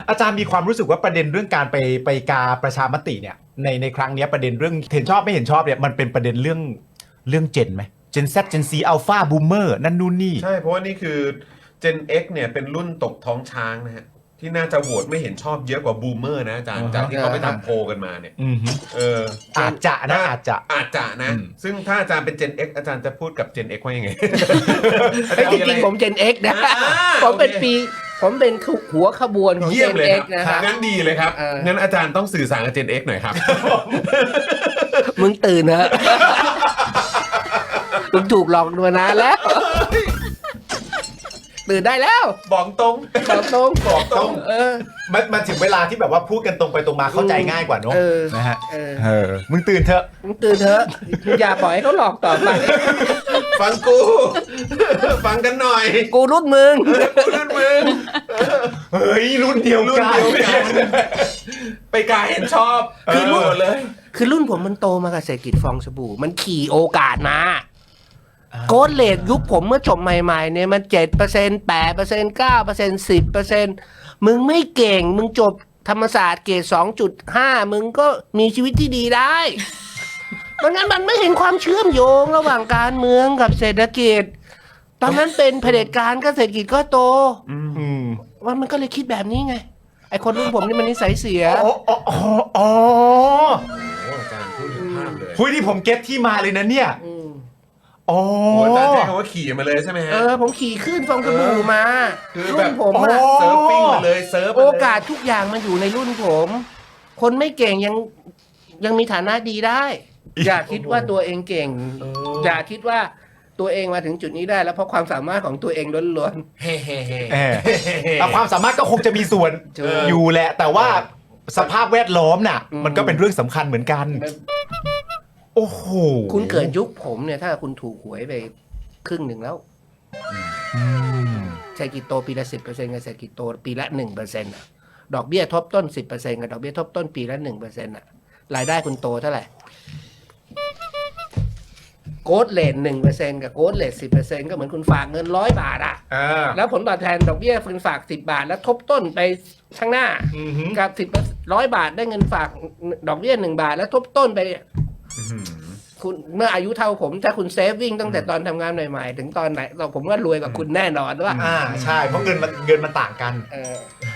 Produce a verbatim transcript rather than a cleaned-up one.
อาจารย์มีความรู้สึกว่าประเด็นเรื่องการไปไปกาประชามติเนี่ยในในครั้งนี้ประเด็นเรื่องเห็นชอบไม่เห็นชอบเนี่ยมันเป็นประเด็นเรื่องเรื่องเจนไหมเจน Z เจน C อัลฟาบูมเมอร์นั่นนู่นนี่ใช่เพราะว่านี่คือ Gen X เนี่ยเป็นรุ่นตกท้องช้างนะฮะที่น่าจะโหวตไม่เห็นชอบเยอะกว่าบูมเมอร์นะอาจารย์จากที่เขาไปทำโพลกันมาเนี่ยเอออาจจะนะอาจจะอาจจะนะซึ่งถ้าอาจารย์เป็น Gen X อาจารย์จะพูดกับ Gen X ว่ายังไงจริงๆผม Gen X นะผมเป็นปีผมเป็นหัวขบวนของ Gen X นะครับงั้นดีเลยครับงั้นอาจารย์ต้องสื่อสารกับ Gen X หน่อยครับมึงตื่นเถอะมึงถูกหลอกมานานแล้วตื่นได้แล้วบอกตรงบอกตรงบอกตรงเออมันมันถึงเวลาที่แบบว่าพูดกันตรงไปตรงมาเข้าใจง่ายกว่าเนอะนะฮะเออมึงตื่นเถอะมึงตื่นเถอะอย่าปล่อยให้เขาหลอกต่อไปฟังกูฟังกันหน่อยกูรุ่นมึงกูรุ่นมึงเฮ้ยรุ่นเดียวกันไปกายเห็นชอบคือรุ่นเลยคือรุ่นผมมันโตมากับเศรษฐกิจฟองสบู่มันขี่โอกาสมาโกลเลทยุคผมเมื่อจบใหม่ๆเนี่ยมันเจ็ดเปอร์เซ็นต์แปดเปอร์เซ็นต์เก้าเปอร์เซ็นต์สิบเปอร์เซ็นต์มึงไม่เก่งมึงจบธรรมศาสตร์เกรดสองจุดห้ามึงก็มีชีวิตที่ดีได้เพราะงั้นมันไม่เห็นความเชื่อมโยงระหว่างการเมืองกับเศรษฐกิจตอนนั้นเป็นเผด็จการก็เศรษฐกิจก็โตว่ามันก็เลยคิดแบบนี้ไงไอคนรุ่นผมนี่มันนิสัยเสียอ๋ออ๋ออ๋ออาจารย์พูดถึงภาพเลยคุยที่ผมเก็ตที่มาเลยนะเนี่ยอ๋ออาจารย์ใช้คำว่าขี่มาเลยใช่ไหมฮะเออผมขี่ขึ้นฟองสบู่มารุ่นผมอะเซิร์ฟปิ้งมาเลยเซิร์ฟโอกาสทุกอย่างมันอยู่ในรุ่นผมคนไม่เก่งยังยังมีฐานะดีได้อย่าคิดว่าตัวเองเก่งอย่าคิดว่าตัวเองมาถึงจุดนี้ได้แล้วเพราะความสามารถของตัวเองล้วนๆเฮ้เฮ้เฮ้แต่ความสามารถก็คงจะมีส่วนอยู่แหละแต่ว่าสภาพแวดล้อมน่ะมันก็เป็นเรื่องสำคัญเหมือนกันโอ้โหคุณเกิดยุคผมเนี่ยถ้าคุณถูกหวยไปครึ่งหนึ่งแล้วเศรษฐกิจโตปีละสิบเปอร์เซ็นต์กับเศรษฐกิจโตปีละหนึ่งเปอร์เซ็นต์ดอกเบี้ยทบต้นสิบเปอร์เซ็นต์กับดอกเบี้ยทบต้นปีละหนึ่งเปอร์เซ็นต์อ่ะรายได้คุณโตเท่าไหร่โกดเลทหนึ่งเปอร์เซ็นต์กับโกดเลทสิบเปอร์เซ็นต์ก็เหมือนคุณฝากเงินร้อยบาทอ่ะแล้วผลตอบแทนดอกเบี้ยคุณฝากสิบบาทแล้วทบต้นไปข้างหน้ากับสิบร้อยบาทได้เงินฝากดอกเบี้ยหนึ่งบาทแล้วทบต้นไปคุณเมื่ออายุเท่าผมถ้าคุณเซฟวิ่งตั้งแต่ตอนทำงานใหม่ๆถึงตอนไหนเราผมว่ารวยกว่าคุณแน่นอนว่าอ่าใช่เพราะเงินมันเงินมันต่างกันเออ